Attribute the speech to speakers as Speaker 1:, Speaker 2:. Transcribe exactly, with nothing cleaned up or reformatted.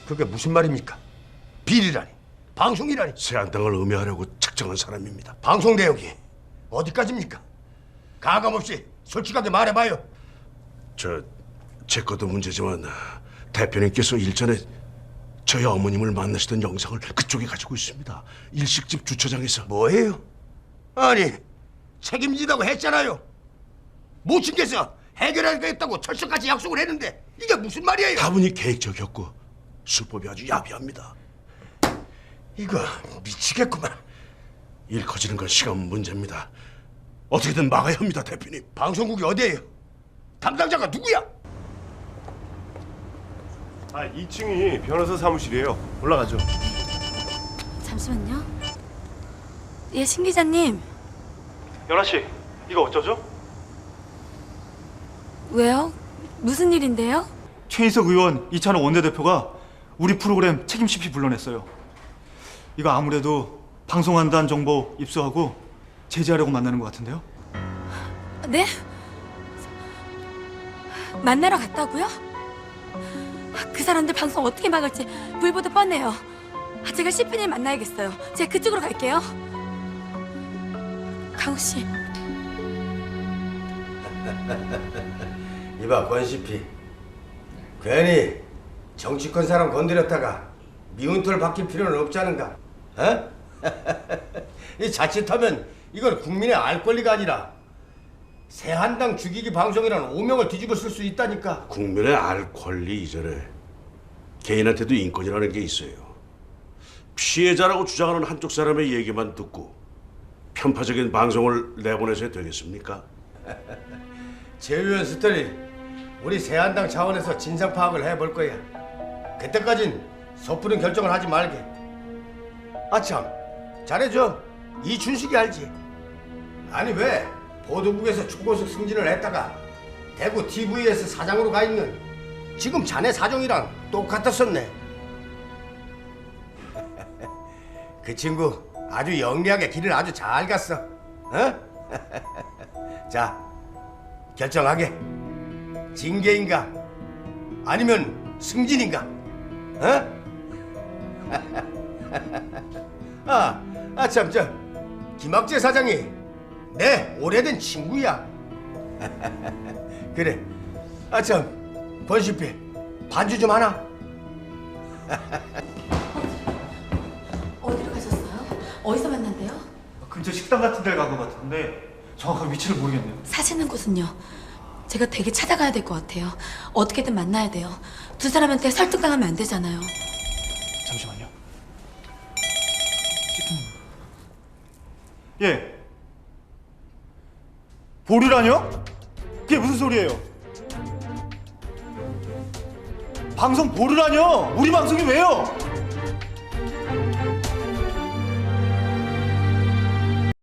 Speaker 1: 그게 무슨 말입니까? 비리라니, 방송이라니.
Speaker 2: 새한당을 음해하려고 책정한 사람입니다.
Speaker 1: 방송 내역이 어디까지입니까? 가감 없이 솔직하게 말해봐요.
Speaker 2: 저, 제 것도 문제지만 대표님께서 일전에 저희 어머님을 만나시던 영상을 그쪽에 가지고 있습니다. 일식집 주차장에서.
Speaker 1: 뭐예요? 아니, 책임지다고 했잖아요. 모친께서 해결하겠다고 철석같이 약속을 했는데 이게 무슨 말이에요?
Speaker 2: 다분히 계획적이었고 수법이 아주 야비합니다.
Speaker 1: 이거 미치겠구만.
Speaker 2: 일 커지는 건 시간 문제입니다. 어떻게든 막아야 합니다, 대표님.
Speaker 1: 방송국이 어디예요? 담당자가 누구야?
Speaker 3: 아, 이 층이 변호사 사무실이에요. 올라가죠.
Speaker 4: 잠시만요. 예, 신 기자님.
Speaker 3: 연아 씨, 이거 어쩌죠?
Speaker 4: 왜요? 무슨 일인데요?
Speaker 5: 최인석 의원, 이찬호 원내대표가 우리 프로그램 책임 씨피 불러냈어요. 이거 아무래도 방송한다는 정보 입수하고 제지하려고 만나는 것 같은데요?
Speaker 4: 네? 만나러 갔다고요? 그 사람들 방송 어떻게 막을지 불보듯 뻔해요. 제가 씨피님 만나야겠어요. 제가 그쪽으로 갈게요. 강우 씨.
Speaker 1: 이봐, 권씨피. 괜히 정치권 사람 건드렸다가 미운 털 박힐 필요는 없잖은가? 어? 이 자칫하면 이건 국민의 알 권리가 아니라 새한당 죽이기 방송이라는 오명을 뒤집어 쓸 수 있다니까.
Speaker 2: 국민의 알 권리 이전에 개인한테도 인권이라는 게 있어요. 피해자라고 주장하는 한쪽 사람의 얘기만 듣고 편파적인 방송을 내보내셔야 되겠습니까?
Speaker 1: 제 의원 스토리 우리 새한당 차원에서 진상 파악을 해볼 거야. 그때까진 섣부른 결정을 하지 말게. 아참, 잘해줘. 이춘식이 알지? 아니 왜 보도국에서 초고속 승진을 했다가 대구 티비에스 사장으로 가 있는 지금 자네 사정이랑 똑같았었네. 그 친구 아주 영리하게 길을 아주 잘 갔어. 어? 자, 결정하게. 징계인가 아니면 승진인가? 어? 아, 아 참, 저 김학재 사장이 내 오래된 친구야. 그래. 아 참, 권씨피 반주 좀 하나?
Speaker 4: 어디로 가셨어요? 어디서 만난대요?
Speaker 5: 근처 식당 같은 데를 간 것 같은데 정확한 위치를 모르겠네요.
Speaker 4: 사시는 곳은요? 제가 되게 찾아가야 될 것 같아요. 어떻게든 만나야 돼요. 두 사람한테 설득당하면 안 되잖아요.
Speaker 5: 잠시만요. 예. 보류라뇨? 그게 무슨 소리예요? 방송 보류라뇨? 우리 방송이 왜요?